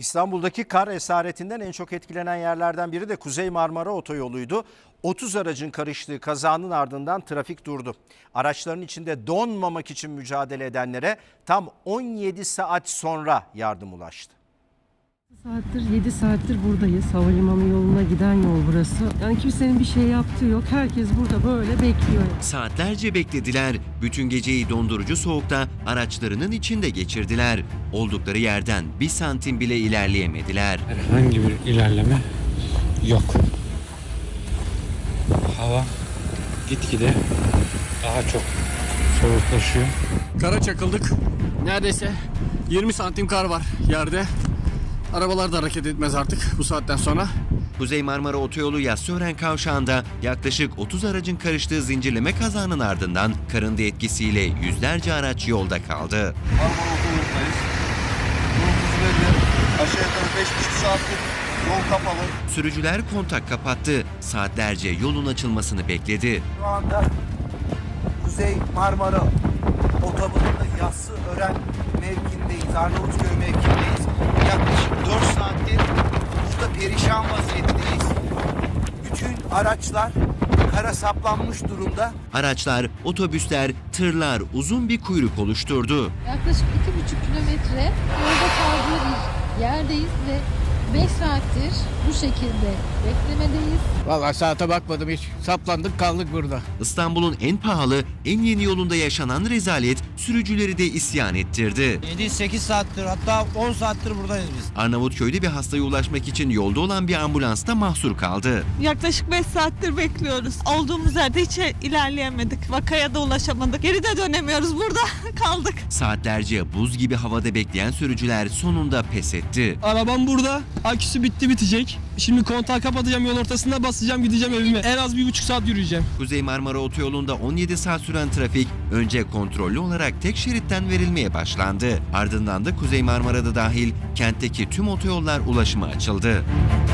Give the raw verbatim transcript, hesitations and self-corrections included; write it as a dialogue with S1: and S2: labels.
S1: İstanbul'daki kar esaretinden en çok etkilenen yerlerden biri de Kuzey Marmara Otoyolu'ydu. otuz aracın karıştığı kazanın ardından trafik durdu. Araçların içinde donmamak için mücadele edenlere tam on yedi saat sonra yardım ulaştı.
S2: Saattir, yedi saattir buradayız. Havalimanı yoluna giden yol burası. Yani kimsenin bir şey yaptığı yok. Herkes burada böyle bekliyor.
S3: Saatlerce beklediler. Bütün geceyi dondurucu soğukta araçlarının içinde geçirdiler. Oldukları yerden bir santim bile ilerleyemediler.
S4: Herhangi bir ilerleme yok. Hava gitgide daha çok soğuklaşıyor.
S5: Kara çakıldık. Neredeyse yirmi santim kar var yerde. Arabalar da hareket etmez artık bu saatten sonra.
S3: Kuzey Marmara Otoyolu Yassıören Kavşağı'nda yaklaşık otuz aracın karıştığı zincirleme kazanın ardından karın da etkisiyle yüzlerce araç yolda kaldı.
S6: Marmara Otoyolu'ndayız. Yolumuz belli. Aşağı yukarı beş buçuk saattir yol kapalı.
S3: Sürücüler kontak kapattı. Saatlerce yolun açılmasını bekledi.
S7: Şu anda Kuzey Marmara Otobanı'nda Yassıören mevkindeyiz, Arnavutköy mevkindeyiz. Yaklaşık dört saattir burada perişan vaziyetteyiz. Bütün araçlar kara saplanmış durumda.
S3: Araçlar, otobüsler, tırlar uzun bir kuyruk oluşturdu.
S8: Yaklaşık iki buçuk kilometre yolda kaldığı bir yerdeyiz ve beş saattir bu şekilde beklemedeyiz.
S5: Vallahi saate bakmadım hiç. Saplandık kaldık burada.
S3: İstanbul'un en pahalı, en yeni yolunda yaşanan rezalet sürücüleri de isyan ettirdi.
S9: yedi sekiz saattir hatta on saattir buradayız biz.
S3: Arnavutköy'de bir hastaya ulaşmak için yolda olan bir ambulans da mahsur kaldı.
S10: Yaklaşık beş saattir bekliyoruz. Olduğumuz yerde hiç ilerleyemedik. Vakaya da ulaşamadık. Geri de dönemiyoruz. Burada kaldık.
S3: Saatlerce buz gibi havada bekleyen sürücüler sonunda pes etti.
S11: Arabam burada. Aküsü bitti bitecek. Şimdi kontağı kapatacağım, yol ortasında basacağım, gideceğim evime. En az bir buçuk saat yürüyeceğim.
S3: Kuzey Marmara Otoyolu'nda on yedi saat süren trafik önce kontrollü olarak tek şeritten verilmeye başlandı. Ardından da Kuzey Marmara'da dahil kentteki tüm otoyollar ulaşıma açıldı.